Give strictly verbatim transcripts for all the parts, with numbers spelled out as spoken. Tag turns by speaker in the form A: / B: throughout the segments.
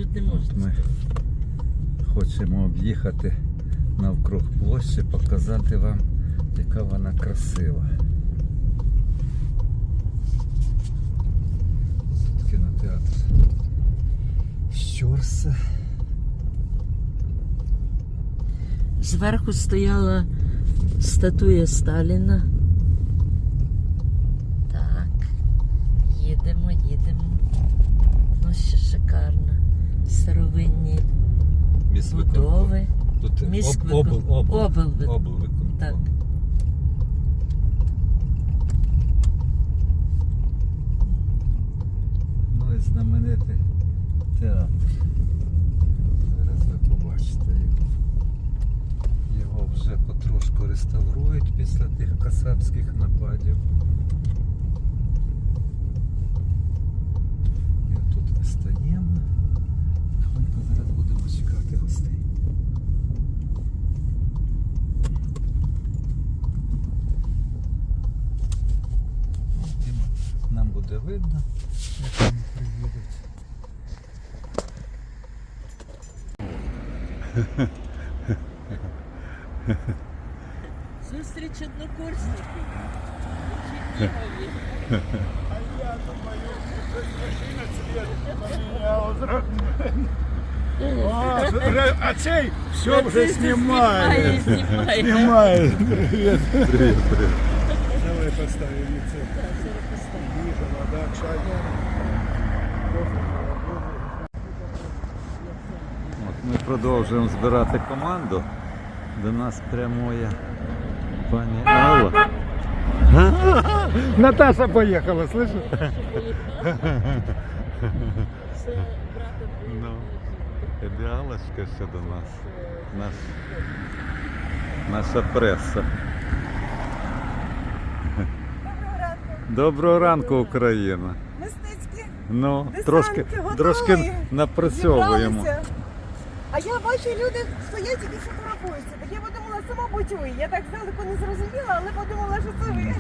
A: тут не можна.
B: Ми хочемо об'їхати навкруг площі, показати вам, яка вона красива. Тут кінотеатр Щорса.
A: Зверху стояла статуя Сталіна. Так, їдемо, їдемо. Ну, ще шикарно. Старовинні будови.
B: Тут
A: Міськвикон-
B: об, обл, обл,
A: облвик-
B: облвиконком.
A: Так.
B: Ну і знаменитий театр. Зараз ви побачите його. Його вже потрошку реставрують після тих касапських нападів. І тут ми стаємо. Тихонько зараз будемо чекати гостей. І нам буде видно, як вони приїдуть.
A: Зустріч однокурсників.
C: А я думаю, что машина цвет поменял. А, а цей все вже знімає.
A: Знімає,
C: Знімає. Привіт.
B: Привіт, привіт.
C: Давай поставим це. Їжа, вода, чай.
B: От ми продовжуємо збирати команду. До нас прямує пані Алла.
C: Наташа поїхала, слышиш?
A: Це брата
B: Ну, ідеалочка ще до нас. Наш, наша преса. Доброго ранку, Україна.
D: Мистецькі
B: Ну,
D: десанти
B: трошки,
D: готові.
B: трошки напрацьовуємо.
D: зібралися. А я бачу, люди стоять і фотографуються. Так я подумала, це, мабуть, ви. Я так здалеку не зрозуміла, але подумала, що це ви.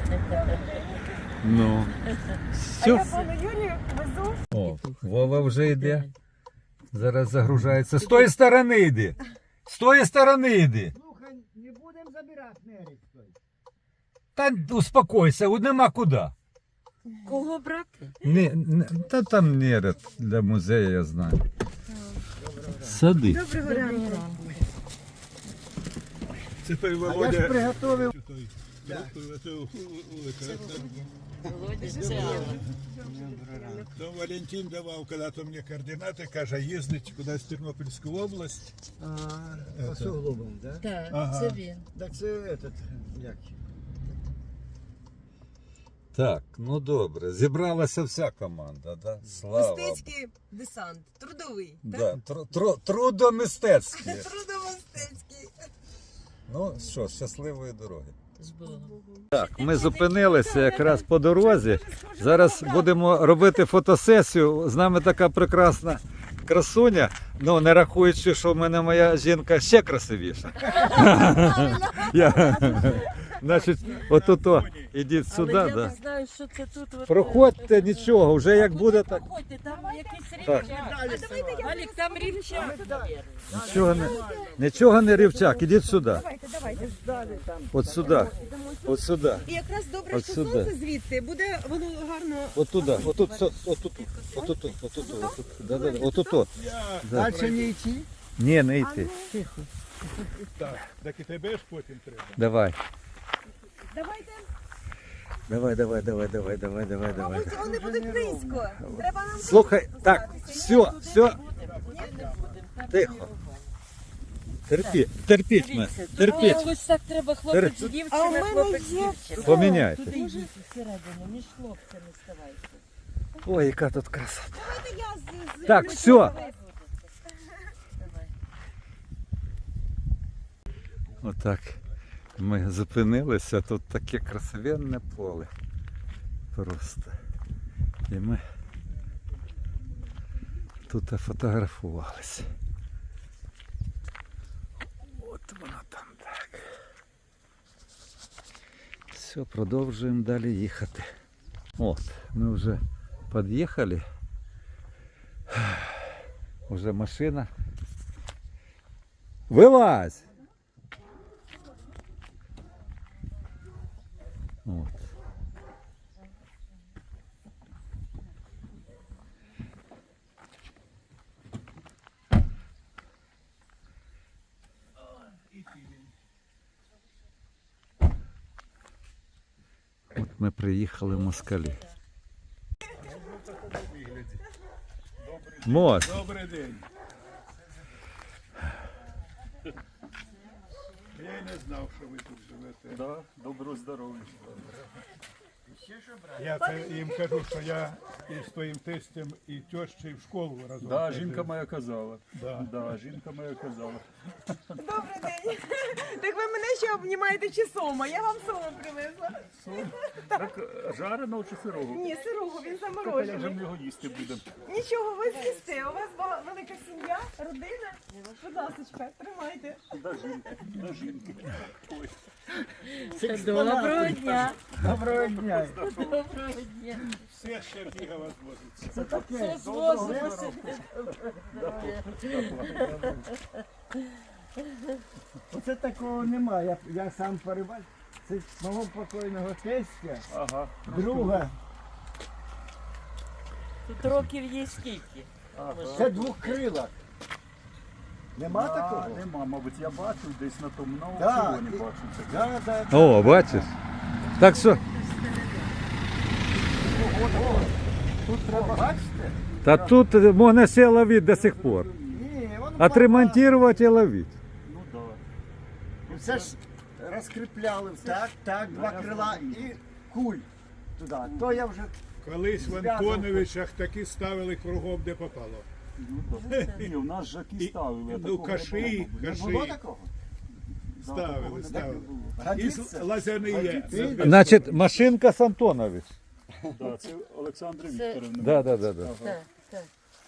B: Ну.
D: А я
B: Все.
D: пану Юрію везу.
B: О, Вова вже йде. Зараз загружається. З тої сторони йди. З тої сторони йди.
C: Слухай, не будемо забирати нерік.
B: Та успокойся, нема куди.
A: Кого брати?
B: Не, не, та там неред для музею, я знаю. Сади.
D: Доброго ранку.
C: Це той
E: А я ж
C: Володя.
E: приготовив.
A: Володя, це Алла.
C: То Валентин давав коли-то мені координати, каже, їздить кудись в Тернопільську область.
E: А, по суглобам, да?
A: Так,
C: Ага.
A: це він.
E: Так це этот, як?
B: Так, ну добре. Зібралася вся команда, да? Слава Богу.
D: Мистецький десант. Трудовий. так?
B: Да, тру- тру- трудомистецькі.
D: Трудомистецький.
B: Ну що, щасливої дороги.
A: З Богом.
B: Так, ми зупинилися якраз по дорозі. Зараз будемо робити фотосесію. З нами така прекрасна красуня. Ну, не рахуючи, що в мене моя жінка ще красивіша. Я... Значить, отут, ідіть
A: Але
B: сюди.
A: я
B: Да.
A: не знаю, що це тут. от-
B: Проходьте, нічого, вже як буде так.
A: Проходьте, там якийсь
B: Так.
A: рівчак. Алік, там рівчак, мабуть.
B: Нічого не, нічого не рівчак, ідіть сюди.
D: Давайте, давайте.
B: От сюди. От сюди.
D: І якраз добре,
B: От
D: що
B: сюди.
D: сонце звідти. Буде воно гарно.
B: От туди. Отут, отут, отут, отут, отут, отут. Да, да, да. Отут. Да.
E: Далі не йти?
B: Ні, не йти.
C: Так, так і тебе ж потім треба.
B: Давай.
D: Давайте.
B: Давай, давай, давай, давай, давай, давай, давай.
D: Мабуть, вони будуть близько. Треба нам.
B: Слухай, так, все, все. Тихо. Терпіть, терпіть мене, терпіть.
A: Ось так треба хлопець
B: Тер-
A: дівчина,
D: А у мене
A: хлопець
D: є-
A: дівчина.
B: Поміняйте.
A: Туди йдіть всередину, між хлопцями ставайте.
B: Ой, яка тут краса.
D: Давайте я з- з-
B: Так,
D: з-
B: все.
A: Давай.
B: Отак ми зупинилися, тут таке красивенне поле. Просто. І ми тут фотографувалися. От воно там так. Все, продовжуємо далі їхати. От, ми вже під'їхали. Уже машина. Вилазь! От. От ми приїхали в Москалі. Мос.
C: Добрий день. Я й не знав, що ви тут живете.
F: Да, доброго здоров'я.
C: Я це їм кажу, що я із твоїм тестем і тещею в школу разом.
F: Да,
C: ходив.
F: жінка моя казала.
C: Да.
F: Да, жінка моя казала.
D: Добрий день. Так ви мене ще обнімаєте чи сома? Я вам сому привезла.
F: Так жареного чи сирого?
D: Ні, сирого, він
F: Так, а як же
D: заморожений.
F: ми його їсти будемо?
D: Нічого, ви з'їсте. У вас ба- велика сім'я, родина. Будь ласочка, тримайте.
F: До жінки, до жінки. Ой,
A: Доброго дня.
E: Доброго дня.
A: Доброго дня.
C: Все ще біга вас возиться.
E: Це таке.
A: Звозимося.
E: Оце такого немає. Я, я сам перебачив. Це з мого покойного тестя,
F: ага.
E: друга.
A: Тут років є скільки?
E: Це двохкрилак. Нема
F: А,
E: такого?
F: нема, мабуть, я бачив десь на тому, на
E: Да,
F: аукціоні
E: і-
F: бачив це.
E: Да, да, да.
B: О, бачиш? Так що,
E: Тут треба, бачите?
B: та тут можна ще ловити до сих пор.
E: Ні, воно
B: Отремонтувати і ловити.
F: Ну да.
E: І все ж розкріпляли. Так, так, два крила і куль туди. То я вже
C: Колись в Антоновичах такі ставили кругом, де попало.
F: Ну, да. Ні, у нас жаки
C: І-
F: ставили. а
C: ну,
F: такого не
C: каши,
F: було, мабуть.
E: не
C: Кажи.
E: було такого.
F: Да, такого
C: Ставили,
F: не
C: ставили.
F: було.
C: Із
E: Годиться?
C: лазяни є.
E: Годиться?
B: Значить, машинка з Антонович.
F: Да, це Олександра
A: Це-
F: Вікторівна.
B: Да, да, да, да.
A: Так, так.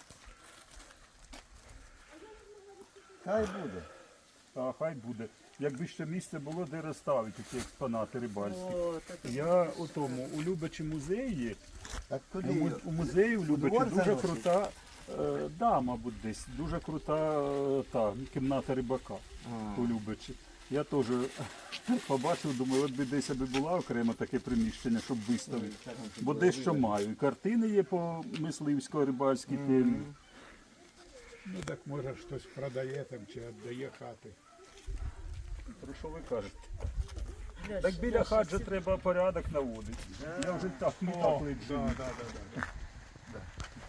E: Хай буде.
F: А хай буде. Якби ще місце було, де розставити ці експонати рибальські.
A: О, так.
F: Я у тому, у Любичі музеї,
E: Так
F: у,
E: куди?
F: му- у музеї у Любичі
E: двор
F: дуже
E: заносить?
F: крута, е, да, мабуть, десь, дуже крута е, та, кімната рибака у Любичі. Я теж побачив, думаю, от би десь аби була окремо таке приміщення, щоб виставити. Бо дещо маю. І картини є по мисливсько-рибальській темі.
C: Ну так може хтось продає там чи віддає хати.
F: Про що ви кажете? Так біля хат же треба порядок наводити. Я вже так не так лечу.
C: Да, да, да, да.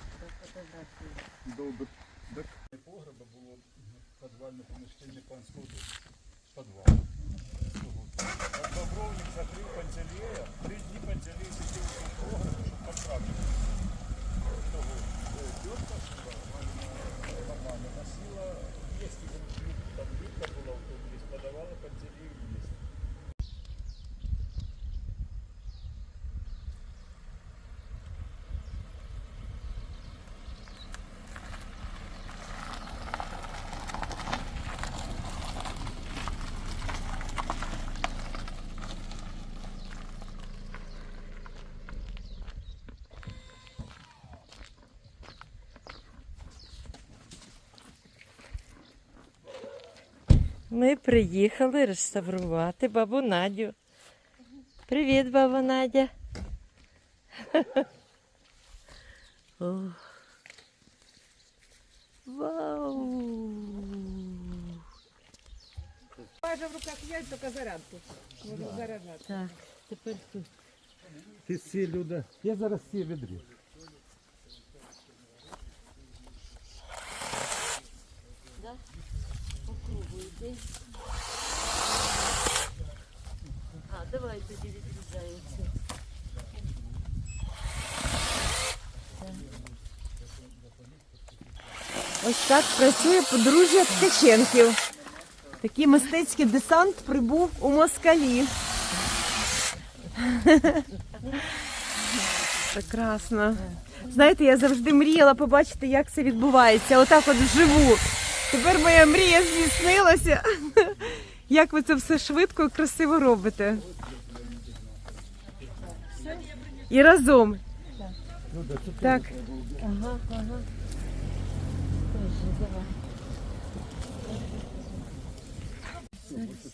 F: Добре. Так погреба було підвальне поміщення панського дому. Підвал. А Бобровник закрив Пантелея. Три дні Пантелей сидів у погребі, щоб потрапити. Того тітка нормально носила їсти, там вітка була в тому ліс, подавала Пантелею їсти.
A: Ми приїхали реставрувати бабу Надю. Привіт, баба Надя. О. Вау!
D: Майже в руках є, тільки зарядку. Можу заряджати.
A: Так, тепер тут.
B: Ти сі, Люда. Я зараз сі відріжу.
A: Попробуйте. А, давай тоді відрізається.
D: Ось так працює подружжя Ткаченків. Такий мистецький десант прибув у Москалі. Прекрасно. Знаєте, я завжди мріяла побачити, як це відбувається. Отак от вживу. Тепер моя мрія здійснилася. Як ви це все швидко і красиво робите. І разом. Так.
A: Ага, ага. Тоже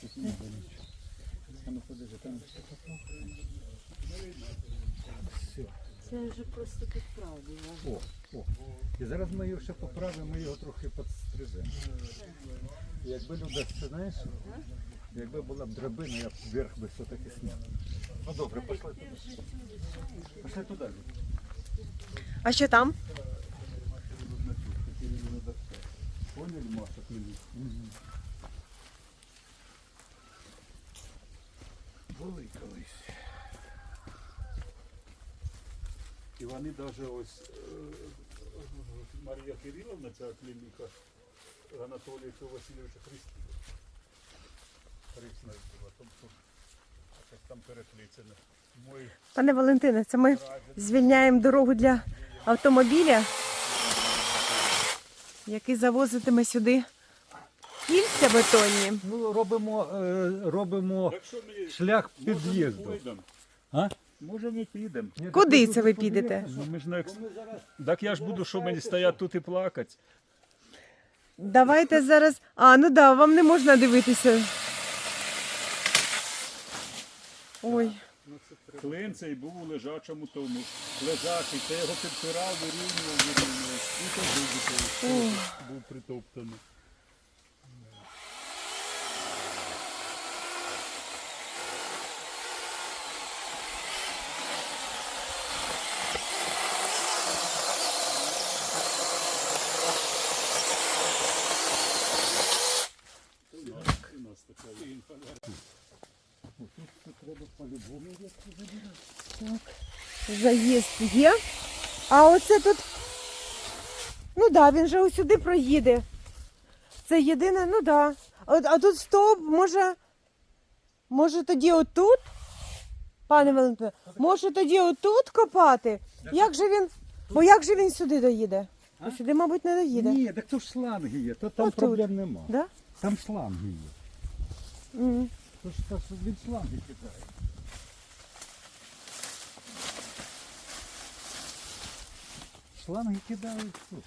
F: А ну подивись, там
A: Це вже просто підправлено.
B: О, о. І зараз ми його ще поправимо, ми його трохи підстрижемо. Якби люди, це знаєш, якби була б драбина, я б вверх би все-таки сняв. Ну добре, пішли туди. Пішли туди.
D: А що там?
F: поняли, Маша, плюс. Були колись. І вони навіть ось е, Марія Кириловна, ця клініка Анатолія Васильовича Христова. Хрисна була, тобто якось там переплетено. Мой
D: Пане Валентине, це ми звільняємо дорогу для автомобіля, який завозитиме сюди кільця бетонні.
B: Ну, робимо, е, робимо
F: Якщо ми
B: шлях
F: може, ми
B: під'їзду.
F: пойдемо?
B: А?
F: Може ми підемо.
D: Куди це ви підете?
F: Ну, ми ж на екс... Так я ж буду, що мені стояти тут і плакати.
D: Давайте зараз. А, ну да, вам не можна дивитися. Ой.
F: Клин цей був у лежачому тому. Лежачий, це його підпирав, вирівнював, вирівнював. І то був, був притоптаний. У нас така
D: Заїзд є. А оце тут. Ну так, да, він же ось сюди проїде. Це єдине, ну так. Да. А, а тут стовп, може. Може тоді отут? Пане Валентине, може тоді отут копати? Як же він. Бо як же він сюди доїде?
B: А?
D: Сюди, мабуть, не доїде.
B: Ні, так то ж шланги є, то там
D: Отут.
B: проблем нема.
D: Да?
B: Там шланги є.
D: М.
B: То ж то, що він шланги кидає. Шланги кидають тут.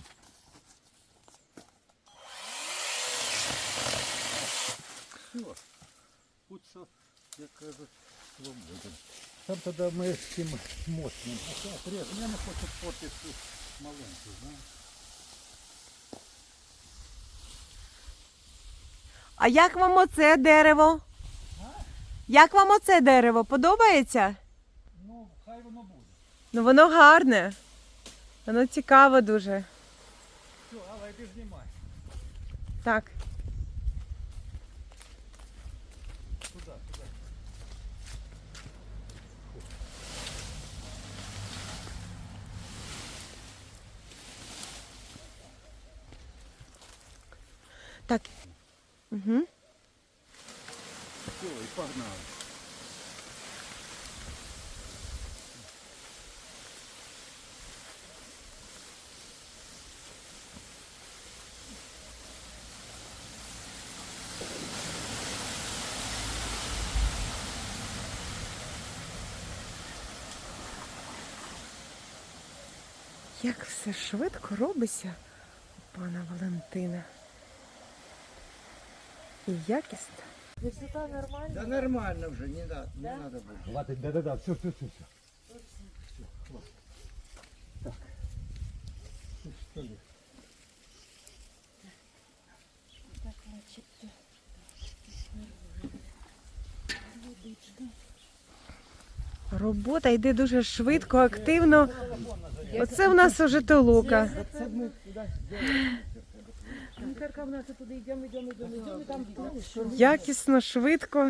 B: Все. Будь що, як кажуть, свободен. Там тоді ми з цим мощним. А так, режем. Я не хочу портити цю маленьку, знаєш.
D: А як вам оце дерево? Як вам оце дерево? Подобається?
B: Ну, хай воно буде.
D: Ну воно гарне. Воно цікаво дуже.
B: Все, але йди знімай.
D: Так.
B: Туди, туди.
D: Так. Угу.
B: Все, і погнали.
D: Як все швидко робиться у пана Валентина. І якісно.
A: Висота нормальна?
E: Да нормально вже, не надо, не надо буде.
B: Хватить, да-да-да, все, все, все, все. Все, хватит. Так. Ну, что ли?
A: Так, начебто. Водичка.
D: Робота йде дуже швидко, активно. Оце в нас уже толока.
A: Вітерка в нас туди йдемо, йдемо, йдемо, йдемо, там далі.
D: Якісно, швидко.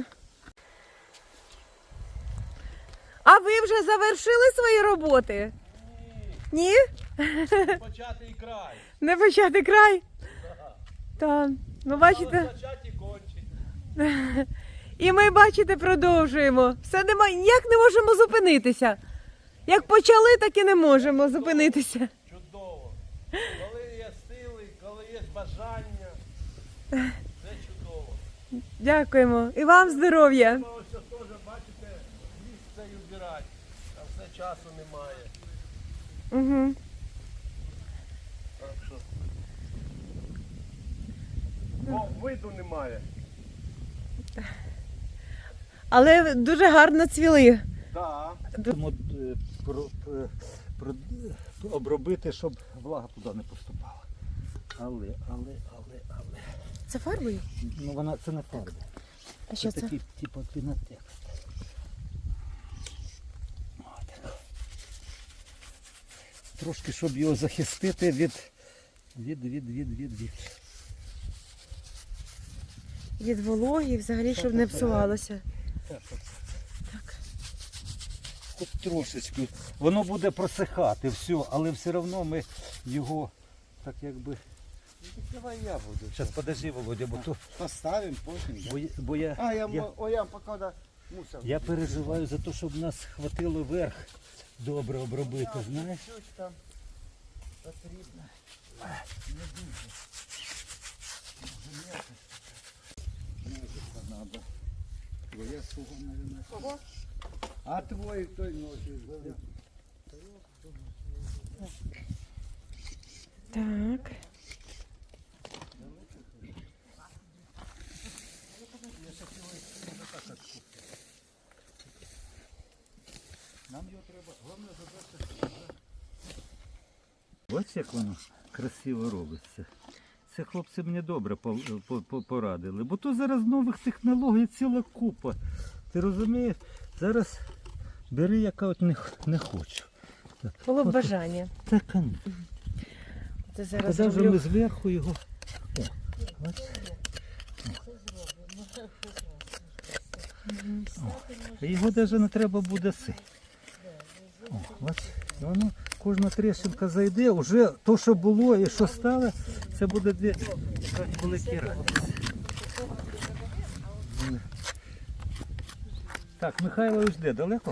D: А ви вже завершили свої роботи? Ні?
G: Початий край.
D: Не почати край? Так. Ну, бачите.
G: Але початі кончить.
D: І ми, бачите, продовжуємо. Все нема, ніяк не можемо зупинитися. Як почали, так і не можемо зупинитися.
G: Чудово. Коли є сили, коли є бажання, це чудово.
D: Дякуємо. І вам здоров'я.
G: Ми ось теж, бачите, ліс цей убирати, а все часу немає.
D: Угу.
G: Так що. Бо виду немає.
D: Але дуже гарно цвіли.
E: Да.
B: Тому е, про, про, про, обробити, щоб влага туди не поступала. Але, але, але, але.
D: Це фарбою?
B: Ну вона це не фарба.
D: А що це?
B: Такий, типу, пінотекст. Отак. Трошки, щоб його захистити від, від, від, від, від, від.
D: Від вологи, взагалі, щоб не псувалося.
B: Так, так, так. Хоч трошечки. Воно буде просихати, все, але все одно ми його так якби.
E: Давай я буду.
B: Зараз подожди, Володя, бо то.
E: Поставим потім.
B: Бо, я- бо я,
E: А, я,
B: я,
E: мо- о, я поки да, мусор.
B: я переживаю за те, щоб нас хватило верх добре обробити, знаєш?
E: Щось там потрібно. Надо. Твоя суга, наверное. Кого? А твой той носит.
D: Так.
B: Нам його треба, головне задача. Ось як воно красиво робиться. Це хлопці мені добре по- по- по- порадили. Бо то зараз нових технологій ціла купа. Ти розумієш? Зараз бери, яка от не, х- не хочу.
D: Було б
B: От-
D: бажання.
B: Так, конечно.
D: Це зараз
B: Коли вже
D: роблю.
B: ми зверху його. О, ось. О, його навіть не треба буде си. О, ось. І воно, кожна тріщинка зайде, вже то, що було і що стало, це буде дві так, великі радості. Так, Михайлович де? Далеко?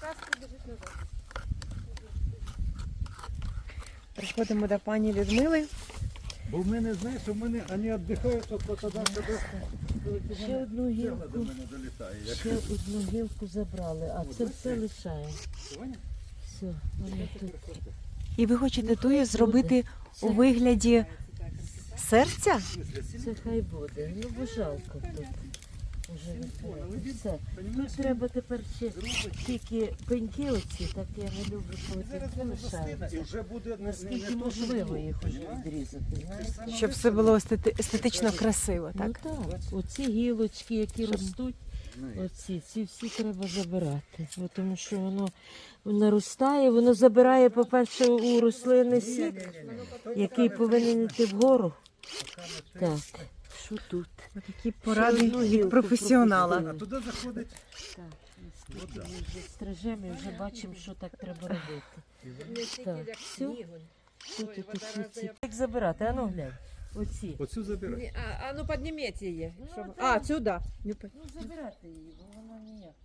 D: Приходимо до пані Людмили.
B: Бо в мене, знаєш, у мене вони віддихають, то тоді тебе
A: Ще одну гілку,
B: до мене долітає.
A: ще одну гілку забрали, а це все лишає. Все, воно тут.
D: І ви хочете тую зробити у вигляді серця?
A: Це хай буде. Ну бо жалко тут. Уже не треба. Все. Тут треба тепер ще тільки пеньки оці, так я не люблю, коли пеньки лишаються.
B: І вже буде
A: Наскільки можливо їх уже відрізати, знаєш?
D: Щоб все було естети- естетично красиво,
A: Ну
D: так?
A: так, оці гілочки, які ростуть, оці, ці всі треба забирати. Бо тому що воно наростає, воно забирає, по-перше, у рослини сік, який повинен йти вгору. Так, що тут?
D: Такі поради
A: Ще одну
D: від
A: гілку
D: професіонала.
A: пропустили.
B: туди заходить.
A: Так, наскільки ми вже стрижемо і вже бачимо, що так треба робити. Так, все. Тут і такі ці. Як забирати? А ну глянь. Оці.
B: Оцю забирай.
A: А, а ну підніміть її.
D: щоб-
A: А, сюди. Ну забирати її, бо вона ніяк.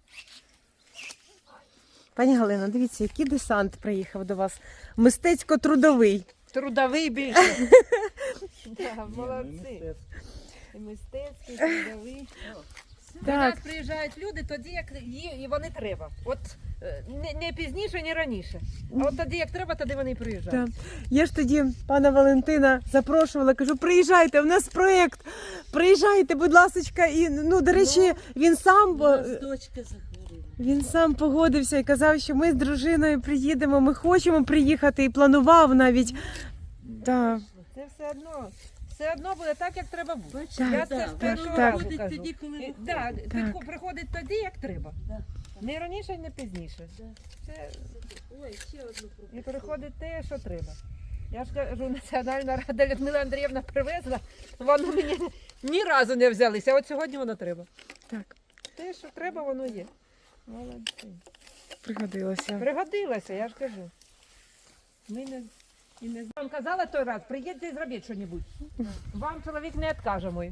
D: Пані Галина, дивіться, який десант приїхав до вас. Мистецько-трудовий.
A: Трудовий більше. Так, молодці. Мистецький, трудовий. До нас
D: Так,
A: приїжджають люди тоді, як їй і вони треба. От е, не, не пізніше, не раніше. А от тоді, як треба, тоді вони і приїжджають.
D: так. Я ж тоді пана Валентина запрошувала, кажу, приїжджайте, у нас проєкт, приїжджайте, будь ласочка. І, ну, до речі, він сам,
A: У
D: бо-
A: нас дочка захворіла.
D: він сам погодився і казав, що ми з дружиною приїдемо, ми хочемо приїхати і планував навіть. Так.
A: Це все одно. Все одно буде так, як треба бути.
D: Так,
A: Я це з першого
D: так.
A: разу кажу.
H: тоді, коли
A: І- да,
D: Так.
A: підхо- приходить тоді, як треба.
H: Да.
A: Не раніше, не пізніше. Це... І приходить те, що треба. Я ж кажу, Національна рада Людмила Андріївна привезла, воно мені ні разу не взялися, а от сьогодні воно треба.
D: Так,
A: Те, що треба, воно є. Молодці.
D: пригодилося.
A: Пригодилася, я ж кажу. Ми не, і не... Вам казала той раз, приїдьте і зробіть щось. Вам чоловік не відкаже мой.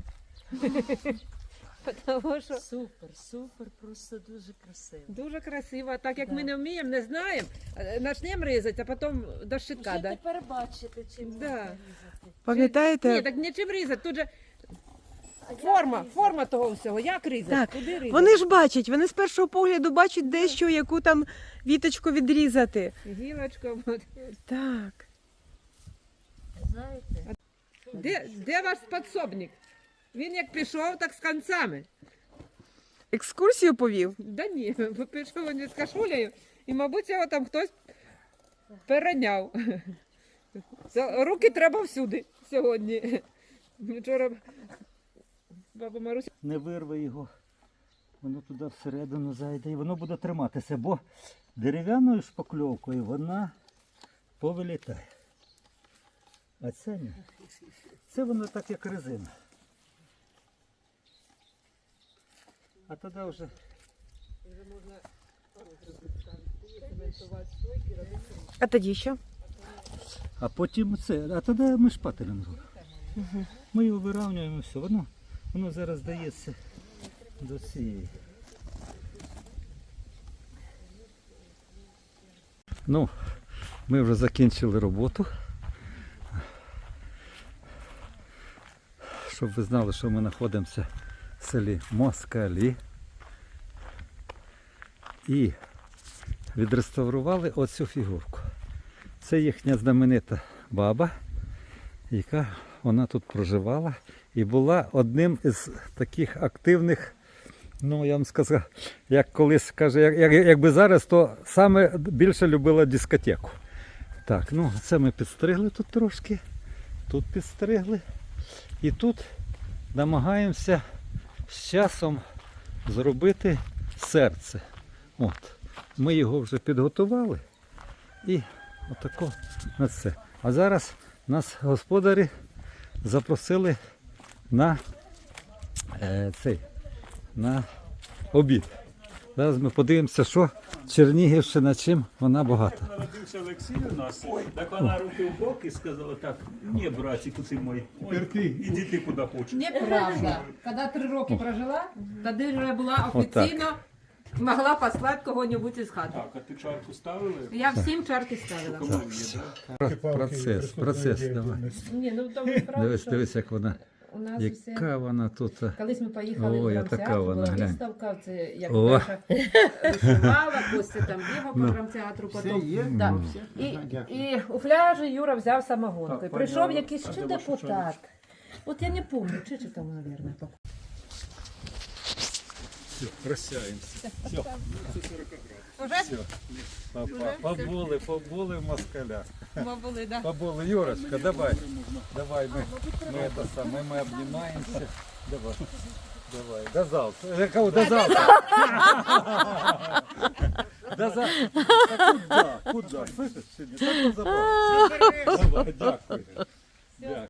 A: Тому що
H: Супер, супер, просто дуже красиво.
A: дуже красиво, так як
H: Да.
A: ми не вміємо, не знаємо, е, почнемо різати, а потім до щитка.
H: Вже
A: Да.
H: тепер бачите, чим
A: Да.
H: можна різати.
D: Пам'ятаєте?
A: Ні, так нічим різати, тут же форма, форма того всього, як різати,
D: Так,
A: куди різати.
D: Вони ж бачать, вони з першого погляду бачать дещо, яку там віточку відрізати.
A: Гілочка. от.
H: Знаєте,
A: Де, де ваш підсобник? Він як пішов, так з концами.
D: Екскурсію повів? Да ні, пішов він з кашулею, і, мабуть, його там хтось перейняв. Це- Руки треба всюди сьогодні. Вчора баба Маруся.
B: Не вирве його, воно туди всередину зайде і воно буде триматися, бо дерев'яною шпакльовкою вона повилітає. А це ні. Це воно так, як резина. А тоді вже
D: А тоді що?
B: А потім це, а тоді ми шпателем робимо. Ми його вирівнюємо, все, воно, воно зараз дається до цієї. Ну, ми вже закінчили роботу. Щоб ви знали, що ми знаходимося в селі Москалі. І відреставрували оцю фігурку. Це їхня знаменита баба, яка вона тут проживала і була одним із таких активних, ну я вам сказав, як колись каже, як, як, якби зараз, то саме більше любила дискотеку. Так, ну це ми підстригли тут трошки, тут підстригли. І тут намагаємося з часом зробити серце. От. Ми його вже підготували і отако на це. А зараз нас господарі запросили на е, цей, на обід. Зараз ми подивимося, що Чернігівщина, чим вона багата.
F: Народився Олексій у нас, так вона руки в бок і сказала так, ні, братику ти мой, ой, іди ти куди хочеш.
I: Неправда. Коли три роки прожила, тоді вже була офіційно, могла послати кого-небудь із хати.
F: Так, а ти чарку ставили?
I: Я всім чарки ставила.
B: Процес, процес, давай.
I: Ні, ну то ви правда,
B: Дивись,
I: що
B: дивись, як вона,
I: у нас усе...
B: яка вона тут.
I: Колись ми поїхали
B: Ой,
I: в
B: а
I: драмтеатр,
B: така вона,
I: була
B: глянь.
I: виставка, це як
B: О.
I: Даша вишивала, Костя там бігав по драмтеатру
E: Все
I: потім.
E: є?
I: Да.
E: Ну, все.
I: І,
E: Ага, дякую.
I: і у пляжі Юра взяв самогонку.
F: Так,
I: І прийшов
F: поняла.
I: якийсь
F: А
I: ще
F: де ваша
I: депутат. От я не пам'ятаю, чи чи там, мабуть.
B: Все, прощаємося. Все.
D: Уже?
B: Все. Папа, побули, побули в москалях.
D: Ми були, да.
B: Побули. Юрочка, давай. Давай, ми, ми, это саме, ми обнімаємося. Давай. Давай. До завтра. Э, Кого? До завтра. До завтра. Та куда? Куда? Слышиш? Так позабавився. Давай, дякую. Дякую.